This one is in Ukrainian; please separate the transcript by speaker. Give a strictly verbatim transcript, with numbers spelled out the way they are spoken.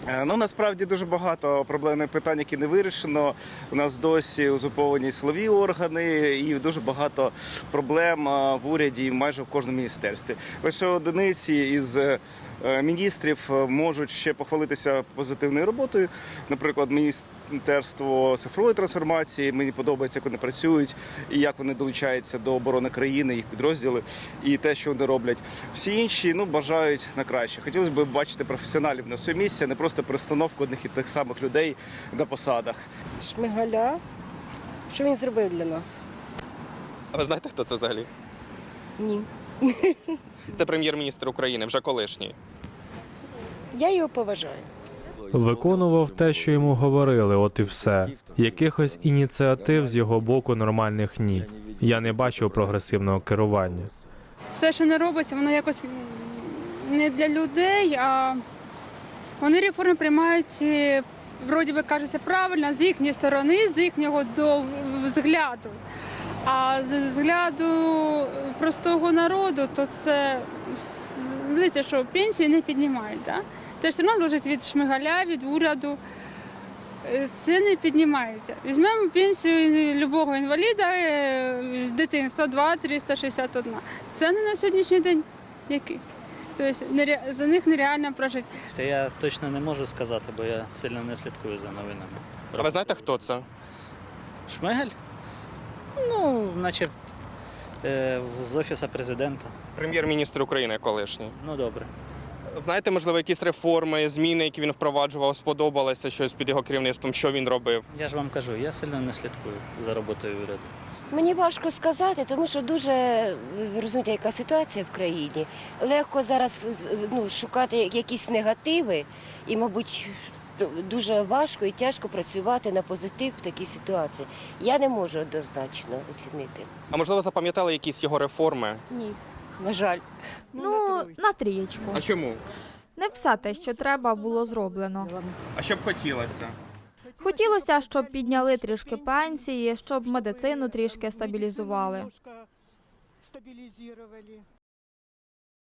Speaker 1: Ну, насправді дуже багато проблемних питань, які не вирішено. У нас досі узурповані силові органи і дуже багато проблем в уряді і майже в кожному міністерстві. Лише одиниці із міністрів можуть ще похвалитися позитивною роботою. Наприклад, Міністерство цифрової трансформації. Мені подобається, як вони працюють і як вони долучаються до оборони країни, їх підрозділи і те, що вони роблять. Всі інші ну, бажають на краще. Хотілося б бачити професіоналів на своє місце, не просто перестановку одних і тих самих людей на посадах.
Speaker 2: Шмигаля. Що він зробив для нас?
Speaker 3: А ви знаєте, хто це взагалі?
Speaker 2: Ні.
Speaker 3: Це прем'єр-міністр України, вже колишній.
Speaker 2: Я його поважаю.
Speaker 4: Виконував те, що йому говорили, от і все. Якихось ініціатив з його боку нормальних ні. Я не бачив прогресивного керування.
Speaker 5: Все, що не робиться, воно якось не для людей, а вони реформи приймають, вроді би кажеться, правильно, з їхньої сторони, з їхнього взгляду. А з взгляду простого народу, то це, дивіться, що пенсії не піднімають. Да? Це все одно залежить від Шмигаля, від уряду. Це не піднімається. Візьмемо пенсію любого інваліда з дитинства два триста шістдесят один. Це не на сьогоднішній день який. Тобто за них нереально прожити.
Speaker 6: Я точно не можу сказати, бо я сильно не слідкую за новинами.
Speaker 3: А ви знаєте, хто це?
Speaker 6: Шмигаль? Ну, наче е, з Офісу президента.
Speaker 3: Прем'єр-міністр України колишній.
Speaker 6: Ну, добре.
Speaker 3: Знаєте, можливо, якісь реформи, зміни, які він впроваджував, сподобалося щось під його керівництвом, що він робив?
Speaker 6: Я ж вам кажу, я сильно не слідкую за роботою уряду.
Speaker 2: Мені важко сказати, тому що дуже, ви розумієте, яка ситуація в країні. Легко зараз ну, шукати якісь негативи і, мабуть, дуже важко і тяжко працювати на позитив в такій ситуації. Я не можу однозначно оцінити.
Speaker 3: А можливо, запам'ятали якісь його реформи?
Speaker 2: Ні, на жаль.
Speaker 7: Ну, на трієчку.
Speaker 3: А чому?
Speaker 7: Не все те, що треба, було зроблено.
Speaker 3: А що б хотілося?
Speaker 7: Хотілося, щоб підняли трішки пенсії, щоб медицину трішки стабілізували.